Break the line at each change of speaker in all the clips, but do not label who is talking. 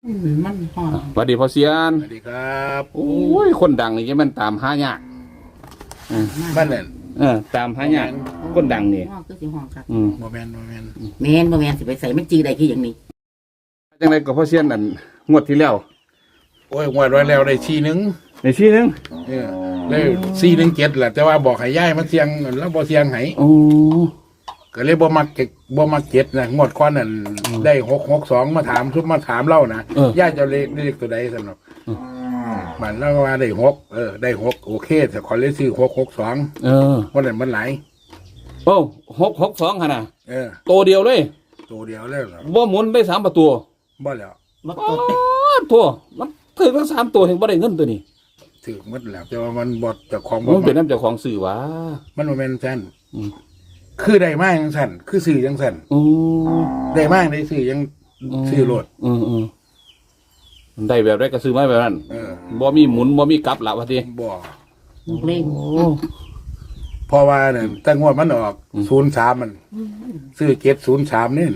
มันหอน
สวัสดีพ่อเสียน
สวัสดีครับ
โอ้ยคนดังนี่จะมันตามหายาก
บ้านเล่น
ตามหายากคนดังนี่
ห้องก็สิห้องครับ
โมเมนต์
แมนบ่แมนสิไปใส่มันจีได้คืออย่างนี้
จังไรก็พ่อเสียนนั่นงวดที่แล้ว
โอ้ยงวดไว้แล้วได้ทีหนึง
ในที่นึง
ได้417แหละแต่ว่าบอกให้ย้ายมาเสียงแล้วบ่เสียงให้
โอ้
ก็เลยบ่มักเก็ตนะงวดก่อนนั่นได้662มาถามเล่านะย้ายจะเลขตัวใดสำหรับมันแล้วว่าได้6ได้6โอเคแต่ขอเลยซื้อ662วันนั้นมันหลาย
โอ้662ขนาด
ตัว
เดียวเลย
เดียวเลยเหรอ
บ่หมุนได้3ประตู
บ่แล้ว
บ่
อ๋
ต
อ
ด
ตัวมันถือทั้ง3ตัวถึงบ่ได้เงินตัวนี้
ถือหมดแล้วแต่ว่ามันบ่เจ้าของ
มันเป็นน้ำเจ้าของสื่อวะ
มันบ่แม่นซั่นคือได้มาจังซั่นคือซื้อจังซั่น
โอ้
ได้มากได้ซื้อยังซื้อรถ
ได้แบบไรก็ซื้อมาแบบนั้นบ่มีหมุนบ่มีกลับละว่าที
บ่
ลูกเล่ง
เพราะว่าเนี่ยตั้งงวดมันออก03มัน ซื้อ703นี่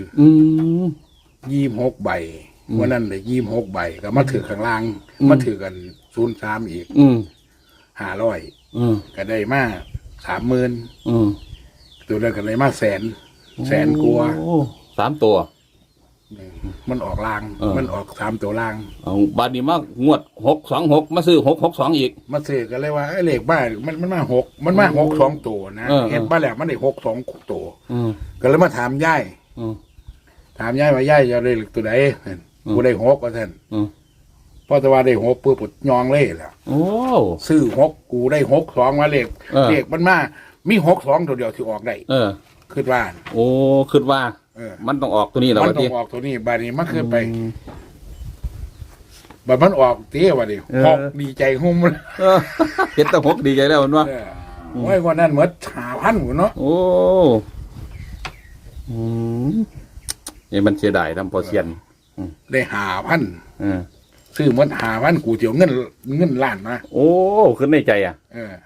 26ใบวันนั้นได้26ใบก็มาถือข้างล่างมาถือกัน03อีก500ก็ได้มา30,000ตัวนั้นก็ได้มาแสนกว่า
3 ตัว
มันออกล่างมันออก3ตัวล่าง
เอาบาดนี้มางวด626มาซื้อ662อีก
มาซื้อก็เลยว่าไอ้เลขบ้านมันมา6มันมา6 2ตัวนะเห็นบ้านแล้วมันได้6 2ตัวก็เลยมาถามยายถามยายว่ายายจะได้เลขตัวใดกูได้6ว่าท่านพอแต่ว่าได้6ปุ๊บยองเลยแหละ
โอ้
ซื้อ6กูได้6 2มาเลขมันมามี6 2ตัวเดียวที่ออกได้คิดว่า
โอ้คิดว่ามันต้องออกตัวนี้แล้ว
มัน
ว่า
ต้อ
ที
งออกตัวนี้บาดนี้มันขึ้นไปบัดมันออกเตี้ยว่าดิหกดีใจหุ่มเลย
เห็นแตะหกดีใจแล้วมันว่า
โอ้ยวันนั้นเหมือน5,000หัวเนาะ
โอ้นี่มันเสียดายทำพอเซียน
ได้5,000ซื้อเหมือน5,000กูเจียวเงินล้านมา
โอ้ขึ้นในใจอ่ะ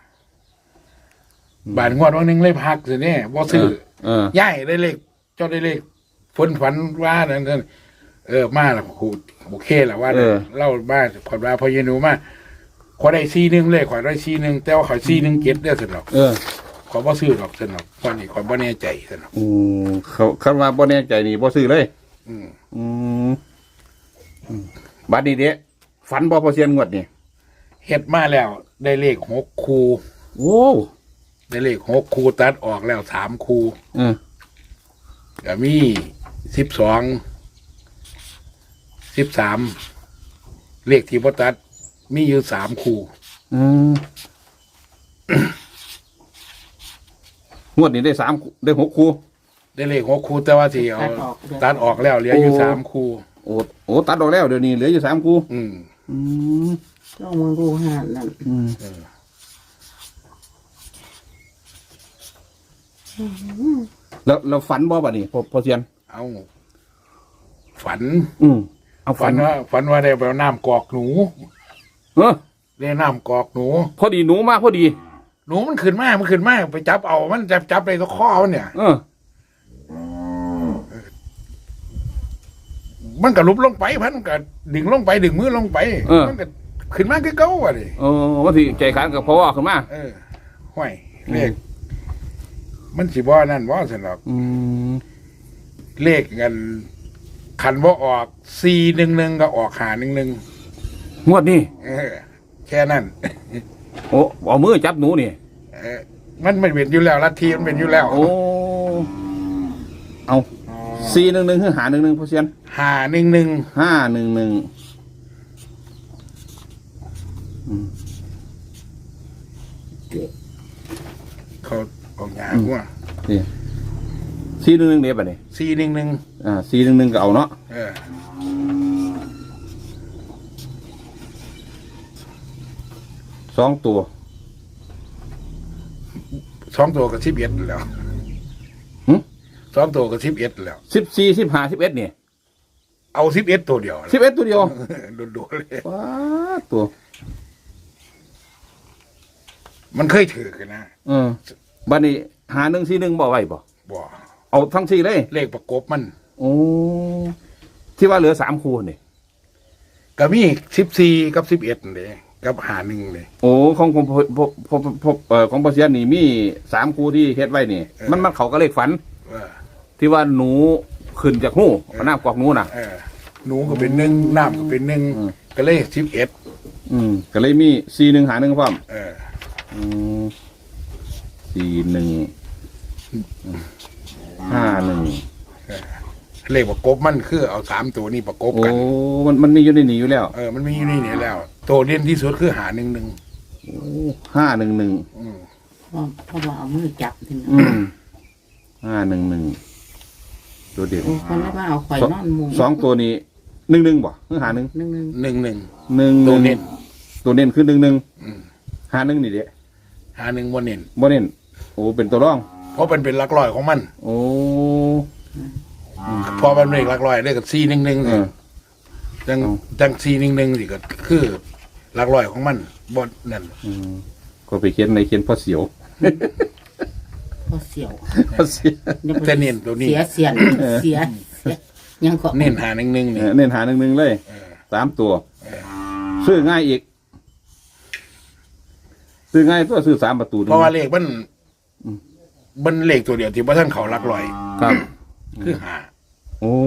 บาทงวดวันหนึงเลยพักสิเนี่ยบ่ซื้อย่ายได้เลขเจ้าได้เลขฝันว่านั่นมาละกูโอเคละว่าเล่าบ้านขอดว่าพอเยนูมาขอได้41เลขขอได้41แต่ว่าขอ41เก็บได้สนอกขอบ่ซื้อหรอกสนอกตอนนี้ขอบ่แน่ใจสนอก
เขาคำว่าบ่แน่ใจนี่บ่ซื้อเลยบัดนี้เด้ฝันบ่พอเซียนงวดนี่
เฮ็ดมาแล้ว ได้เลข6คู่
โอ้
ได้เลข6คู่ตัดออกแล้ว3คู่ก็มี12 13เลขที่บ่ตัดมีอยู่3คู่
งวดนี้ได้3ได้6คู่
ได้เลข6คู่แต่ว่าที่เอาตัดออกแล้วเหลืออยู่3คู่
โอ้ตัดออกแล้วเดี๋ยวนี้เหลืออยู่3คู่
ต้องมึงดูหานั่น
แล้วฝันบ่บัดนี้พอเซียน
เอาฝัน
เอา
ฝันว่าได้ไปเอาน้ำกอกหนูได้น้ำกอกหนู
พอดีหนูมากพอดี
หนูมันขึ้นมาไปจับเอามันจับไปตัวข้อมันเนี่ยมันก็ลุบลงไปพันก็ดึงลงไปดึงมือลงไปมันก็ขึ้นมาคือเก่าว่ะดิ
ว่าที่ใจขันกับพ่อขึ้นมา
ห้วยเลขมันสิบ่นั่นบ่สนอกเลขกันคันบ่ออก411ก็ออก511
งวดนี้
แค่นั้น
โอ้เอามือจับหนูนี่
มันไม่เป็นอยู่แล้วลัทธิมันเป็นอยู่แล้ว
โอ้เอา411คือ511พอเซียน
511เขาออกยาหัว
411เด้บัดนี้
411
411ก็เอาเนาะ2ตัว
ก็11แล้ว2ตัวก็11แล้ว
14 15 11นี่
เอา11ตัวเดียว
11ตัวเดียว
โดดๆเลย
ว้าตัว
มันเคยถือกันนะ
บัดนี้5141บ่ไว้บ่เอาทั้ง4เลย
เลขประกบมัน
โอ้ที่ว่าเหลือ3คู่นี่
ก็มี14กับ11เลยกับหาหนึ่งเลย
โอ้ของของปอเซียนนี่มี3คู่ที่เฮ็ดไว้นี่ มันเขาก็เลขฝัน
เออ
ที่ว่าหนูขึ้นจากหูเอาน้ำกอกหนูน่ะ
เออหนูก็เป็น1น้ำก็เป็น1ก็เลย11
ก็เลยมี41หา1พร้อม
เออ
4151
เลขประกบมันคือเอา3ตัวนี้ประกบ
โอ้
กัน
มันมีอยู่ในนี้อยู่แล้ว
มันมีอยู่นี่เนี่ยแล้วตัวเด่นที่สุดคือหา11
511
เพราะว่าเอามือจับถึง
511ตัวเดียว
โอ้คนละว่าเอาข่อยนอนมุง
สองตัวนี้11บ่คือหา1
นึง
11ตัวเน้น
ตัวเน้นคือ11หา1นี่เด้
หา1บ่เน้น
บ่เน้นโอ้เป็นตัวรอง
เพราะมันเป็นหลักร้อยของมัน
โอ้
พอมันเลขหลักร้อยได้กับ411นี่จัง411สิก็คือหลักร้อยของมันบ่นั่น
ก็ไปเขียนในเขียนพ่อเสียว
พอเสียว
พ่อเสียว
แต่เน้นตัวนี้
เสียยังก็
เน้นหา11นี่
เน้นหา11เลย3ตัวซื้อง่ายอีกซื้อง่ายตัวซื้อ3ประตู
เพราะว่าเลขมันเลขตัวเดียวที่บ่ทันเขาหลักร้อย
ครับ
คือหา
โอ้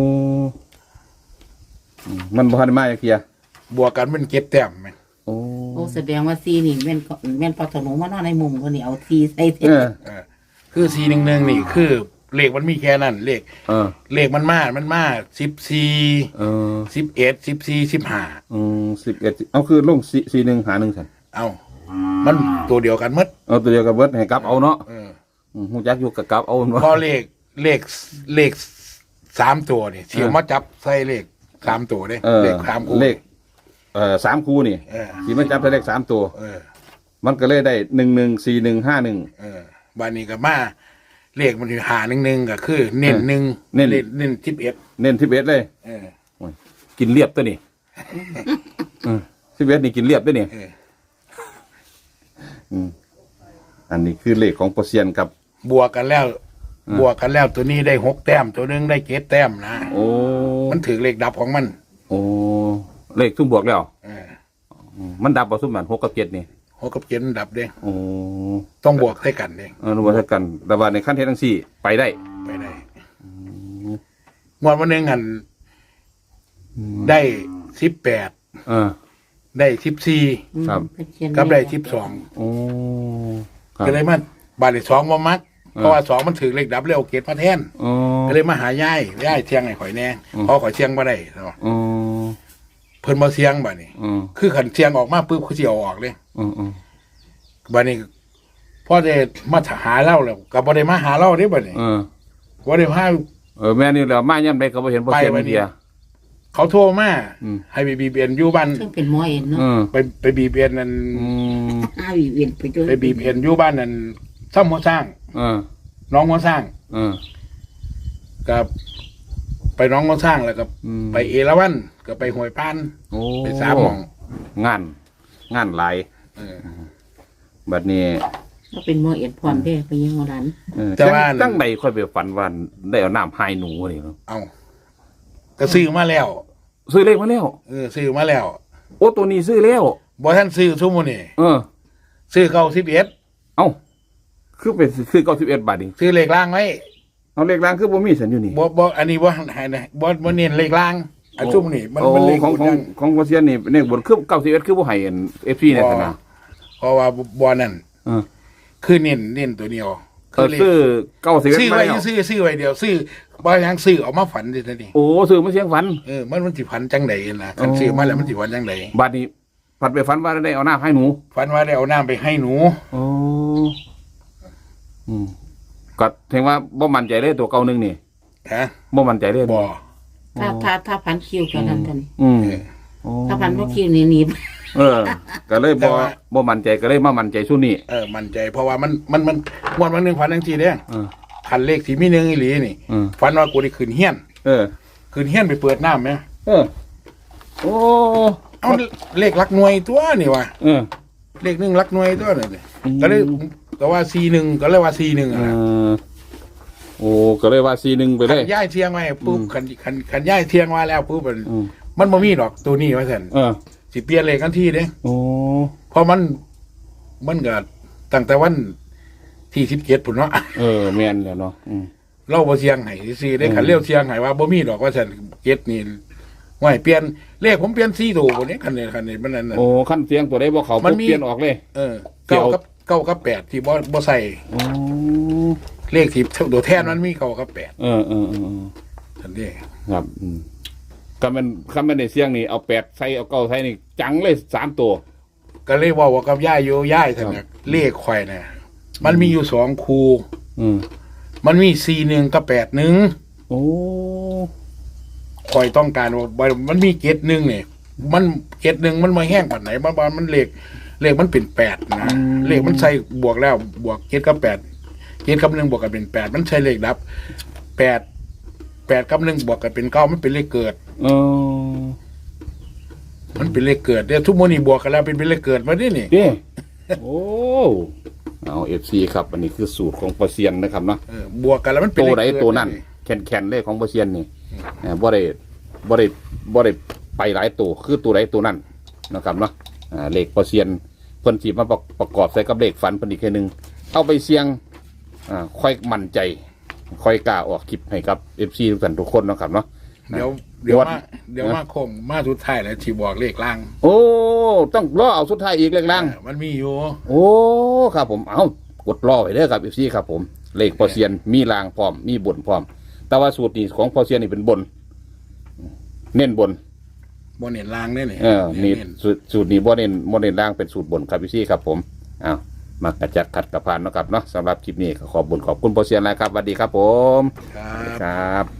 มันบ่ทันมาจักเที่ย
บวกกันมัน7แต้มแม่น
โอ้
โอ้แสดงว่าซีนี่แม่นพอถนนมานอนในมุมคนนี้เอาซีใส่เต็ม
คือ411นี่คือเลขมันมีแค่นั้นเลข เลขมันมา14 11 14 15
11เอาคือลง41หา1ซั่น
เอามันตัวเดียวกันหมด
เอาตัวเดียวกับเบิดให้กลับเอาเนาะฮู้จักอยู่กับกลับเอาเนาะ
พอเลข3ตัวนี่ที่เอามาจับใส่เลข3ตัวเด้เลข3คู่
เลข3คู่นี่สิมันจับได้เลข3ตัวมันก็เลยได้114151
บ้านนี้ก็มาเลขมันหา11ก็คือเน้น1เน้น11
เน้น11เลยกินเรียบตัวนี่11นี่กินเรียบด้วยนี่อันนี้คือเลขของเปอร์เซียนกับบ
วกกันแล้วตัวนี้ได้6แต้มตัวนึงได้7แต้มนะ
โอ้
มันถือเลขดับของมัน
โอ้เลขซุ่มบวกแล้วมันดับบ่ซุ่มมัน6กับ7นี่
6กับ7มันดับเด้
โอ้
ต้องบวกให้กันเด้
บวกให้กันแต่ว่าในขั้นเทศทั้งสี่ไปได้
งวดวันนึงหันได้18ได้14
ครับ
กับได้12
โอ้
ก็เลยมาบาทที่2บ่มักเพราะว่า2มันถือเลขดับแล้วเกตมาแทนก็เลยมาหายายเที่ยงให้ข่อยแน่พอข่อยเที่ยงบ่ได้เนาะเพิ่นบ่เที่ยงบัดนี้คือคันเที่ยงออกมาปึ๊บคือสิเอาออกเลยบัดนี้พอได้มาหาเล่าแล้วก็บ่ได้มาหาเล่าเด้บัดนี้บ่ได้มา
แม่นี่แล้วมายามใดก็บ่เห็นบ่เห็นเดีย
เขาโทรมาให้ไปบีบเอ็นอยู่บ้าน
ซึ่งเป็นหมอเอ็นเนาะ
ไปบีบเอ็นนั่น
บีบเอ็นไปด้วย
ไปบีบเอ็นอยู่บ้านนั่นซ้ำหัวสร้างน้องหัวสร้างกับไปน้องหัวสร้างแล้วก็ไปเอราวัณก็ไปห้วยปานไป3หม่อง
งานหลายบัดนี้
ก็เป็นหมอเอ็นพร้อมเด้ไปยิงเอาหลาน
แต่ว่าตั้งใดค่อยไปฝันว่าได้เอาน้ำให้หนูนี่เนาะ
เอาก็ซื้อมาแล้ว
ซื้อเลขมาแล้ว
ซื้อมาแล้ว
โอ้ตัวนี้ซื้อแล้ว
บ่ท่านซื้อซุมื้อนี้ซื้อ91
เอ้าคือเป็นซื้อ91บาทนี่
ซื้อเลขล่างไว้
เอาเลขล่างคือบ่มีสัญอยู่นี่
บ่อันนี้บ่ให้บ่เน้นเลขล่างอันซุมื้อนี้มันเลข
ของเซียนนี่เลขบนคือ91คือบ่ให้FC เนี่ยซั่นน่ะ
เพราะว่าบ่นั่นคือเน้นตัวเดียว
ซื้อ91
ซื้อไว้ซื้อไว้เดียวซื้อบ่ยังซื้อเอามาฝันดิซั่นนี่
โอ้ซื้อมาเสียงฝัน
มันสิฝันจังได๋ล่ะคันซื้อมาแล้วมันสิฝันจังได๋
บัดนี้ฝันไปฝันว่าได้เอาน้ำให้หนู
ฝันว่าได้เอาน้ำไปให้หนู
โอ้ก็ถึงว่าบ่มั่นใจเลยตัวเก่านึงนี่
ฮะ
บ่มั่นใจเลย
บ่
ถ้าพันคิวกันนั่นกันถ้าพันบ่คิวนี่
ก็เลยบ่มั่นใจก็เลยมามั่นใจซุนี่
มั่นใจเพราะว่ามันงวดวันนึงฝันจังซี่เด้คันเลขที่มี1อีหลีนี่ฝันว่ากูได้ขึ้นเฮียนขึ้นเฮียนไปเปิดน้ำมั้ย
โอ้
เอาเลขหลักหน่วยตัวนี่ว่ะเลข1หลักหน่วยตัวนี่ก็เลยก็ว่า41ก็เลยว่า41โอ้
ก็เลยว่า41ไปเลย
ย้ายเที่ยงไว้ปุ๊บคันย้ายเที่ยงมาแล้วปุ๊บมันบ่มีดอกตัวนี้ว่าซั่น สิเปลี่ยนเลขทันทีเด้
โอ้
เพราะมันก็ตั้งแต่วันที่17พุ่นเนาะ
แม่นแล้วเนาะ
เราบ่เสียงให้ซื่อๆได้คันเลี้ยวเสียงให้ว่าบ่มีดอกว่าซั่น7นี่ห้วยเปลี่ยนเลขผมเปลี่ยน4ตัวบ่นี้คันนี้มันนั่นน่ะ
โอ้คันเสียงตัวได้บ่เข้าปุ๊บเปลี่ยนออกเลย
9กับ8ที่บ่ใส่เลขที่ตัวแทนมันมี9กับ8ซั่นเด้
ครับคันมันได้เสียงนี่เอา8ใส่เอา9ใส่นี่จังเลย3ตัว
ก็เลยเว้ากับย่าอยู่ย่ายซั่นน่ะเลขข่อยน่ะมันมีอยู่2คู่มันมี41กับ81โอ้ข่อยต้องการว่ามันมี71นี่มัน71มันมาแห้งปานไหนมันเลขมันเป็น8นะเลขมันใส่บวกแล้วบวก7กับ8 7กับ1บวกกันเป็น8มันใช่เลขดับ8กับ1บวกกันเป็น9มันเป็นเลขเกิดมันเป็นเลขเกิดเด้อทุกมื้อนี้บวกกันแล้วเป็นเลขเกิดมาดินี่
เด้โอ้เอา FC ครับอันนี้คือสูตรของปอเซียนนะครับเนาะ
บวกกันแล้วมันเป็น
ตัวไหนตัวนั้นแข็งๆเลยของปอเซียนนี่บ่ได้ไปหลายตัวคือตัวไหนตัวนั้นนะครับเนาะเลขปอเซียนเพิ่นสิมาประกอบใส่กับเลขฝันเพิ่นอีกแค่นึงเอาไปเสี่ยงค่อยมั่นใจค่อยกล้าออกคลิปให้กับ FC ทุกท่านทุกคนนะครับเนาะ
เดี๋ยวมาคงมาสุดท้ายแล้วที่บอกเลขล่าง
โอ้ต้องรอเอาสุดท้ายอีกเลขล่าง
มันมีอยู่
โอ้ครับผมเอากดรอไว้เด้อครับ FC ครับผมเลขปอเซียนมีล่างพร้อมมีบนพร้อมแต่ว่าสูตรนี้ของปอเซียนนี่เป็นบนเน้นบน
เน้นล่างนี่
นี่สูตรนี้บ่เน้นล่างเป็นสูตรบนครับพี่ครับผมอ้าวมากระจัดขัดกระพานนะครับเนาะสำหรับคลิปนี้ขอบคุณปอเซียนนะครับสวัสดีครับผมครับ